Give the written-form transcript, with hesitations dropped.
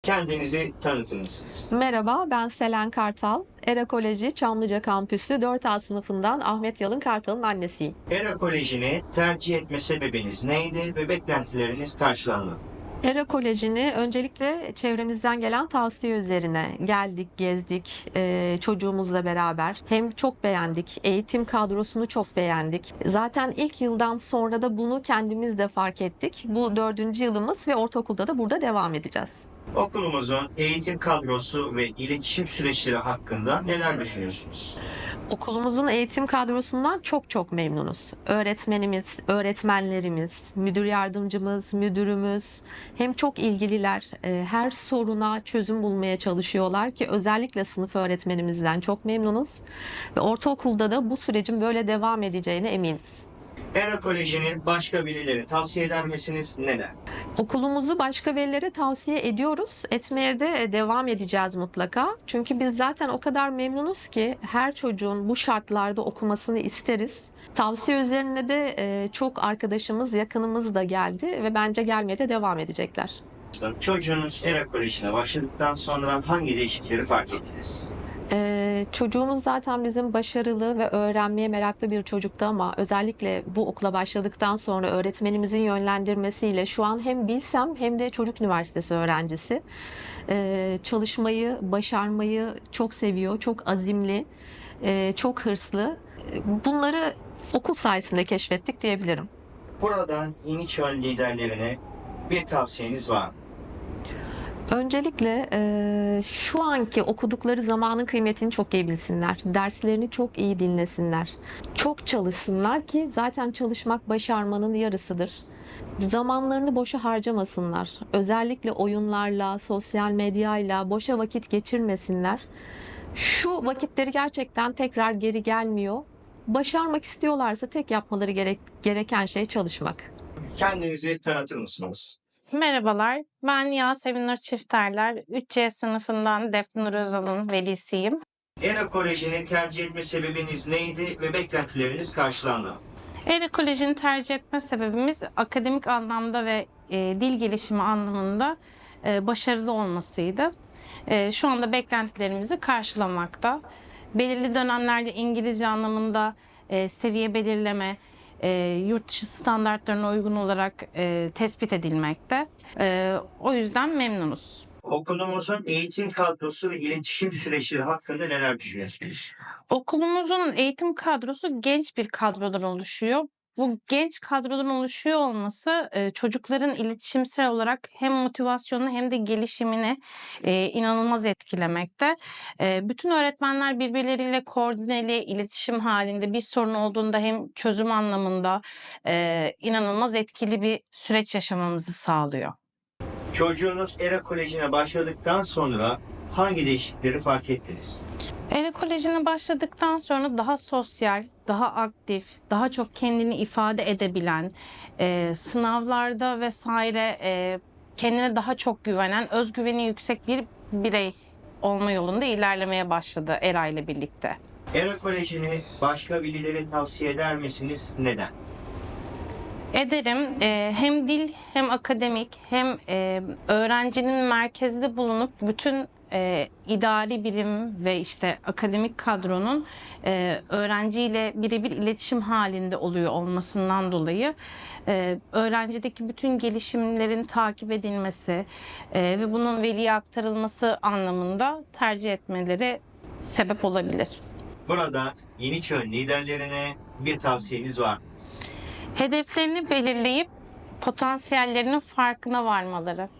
Kendinizi tanıtır mısınız? Merhaba, ben Selen Kartal. ERA Koleji Çamlıca Kampüsü 4A sınıfından Ahmet Yalın Kartal'ın annesiyim. ERA Koleji'ni tercih etme sebebiniz neydi ve beklentileriniz karşılandı mı? ERA Koleji'ni öncelikle çevremizden gelen tavsiye üzerine geldik, gezdik çocuğumuzla beraber. Hem çok beğendik, eğitim kadrosunu çok beğendik. Zaten ilk yıldan sonra da bunu kendimiz de fark ettik. Bu 4. yılımız ve ortaokulda da burada devam edeceğiz. Okulumuzun eğitim kadrosu ve iletişim süreçleri hakkında neler düşünüyorsunuz? Okulumuzun eğitim kadrosundan çok memnunuz. Öğretmenimiz, öğretmenlerimiz, müdür yardımcımız, müdürümüz hem çok ilgililer, her soruna çözüm bulmaya çalışıyorlar ki özellikle sınıf öğretmenimizden çok memnunuz. Ve ortaokulda da bu sürecin böyle devam edeceğine eminiz. ERA Koleji'ni başka birileri tavsiye eder misiniz? Neden? Okulumuzu başka velilere tavsiye ediyoruz. Etmeye de devam edeceğiz mutlaka. Çünkü biz zaten o kadar memnunuz ki her çocuğun bu şartlarda okumasını isteriz. Tavsiye üzerine de çok arkadaşımız, yakınımız da geldi ve bence gelmeye de devam edecekler. Çocuğunuz ERA Koleji'ne başladıktan sonra hangi değişiklikleri fark ettiniz? Çocuğumuz zaten bizim başarılı ve öğrenmeye meraklı bir çocuktu ama özellikle bu okula başladıktan sonra öğretmenimizin yönlendirmesiyle şu an hem Bilsem hem de Çocuk Üniversitesi öğrencisi. Çalışmayı, başarmayı çok seviyor, çok azimli, çok hırslı. Bunları okul sayesinde keşfettik diyebilirim. Buradan Yeniçön liderlerine bir tavsiyeniz var mı? Öncelikle şu anki okudukları zamanın kıymetini çok iyi bilsinler. Derslerini çok iyi dinlesinler. Çok çalışsınlar ki zaten çalışmak başarmanın yarısıdır. Zamanlarını boşa harcamasınlar. Özellikle oyunlarla, sosyal medyayla boşa vakit geçirmesinler. Şu vakitleri gerçekten tekrar geri gelmiyor. Başarmak istiyorlarsa tek yapmaları gereken şey çalışmak. Kendinizi tanıtır mısınız? Merhabalar, ben Yasemin Nur Çifterler, 3C sınıfından Defne Nur Özal'ın velisiyim. ERA Koleji'ni tercih etme sebebiniz neydi ve beklentileriniz karşılandı mı? ERA Koleji'ni tercih etme sebebimiz akademik anlamda ve dil gelişimi anlamında başarılı olmasıydı. Şu anda beklentilerimizi karşılamakta. Belirli dönemlerde İngilizce anlamında seviye belirleme, yurt dışı standartlarına uygun olarak tespit edilmekte. O yüzden memnunuz. Okulumuzun eğitim kadrosu ve iletişim süreçleri hakkında neler düşünüyorsunuz? Okulumuzun eğitim kadrosu genç bir kadrodan oluşuyor. Bu genç kadrodan oluşuyor olması çocukların iletişimsel olarak hem motivasyonunu hem de gelişimini inanılmaz etkilemekte. Bütün öğretmenler birbirleriyle koordineli iletişim halinde bir sorun olduğunda hem çözüm anlamında inanılmaz etkili bir süreç yaşamamızı sağlıyor. Çocuğunuz ERA Koleji'ne başladıktan sonra hangi değişiklikleri fark ettiniz? ERA Koleji'ne başladıktan sonra daha sosyal, daha aktif, daha çok kendini ifade edebilen, sınavlarda vesaire kendine daha çok güvenen, özgüveni yüksek bir birey olma yolunda ilerlemeye başladı ERA ile birlikte. ERA Koleji'ni başka birilere tavsiye eder misiniz? Neden? Ederim. Hem dil hem akademik hem öğrencinin merkezde bulunup bütün idari birim ve işte akademik kadronun öğrenciyle birebir iletişim halinde oluyor olmasından dolayı öğrencideki bütün gelişimlerin takip edilmesi ve bunun veliye aktarılması anlamında tercih etmeleri sebep olabilir. Burada Yeniçön liderlerine bir tavsiyeniz var mı? Hedeflerini belirleyip potansiyellerinin farkına varmaları.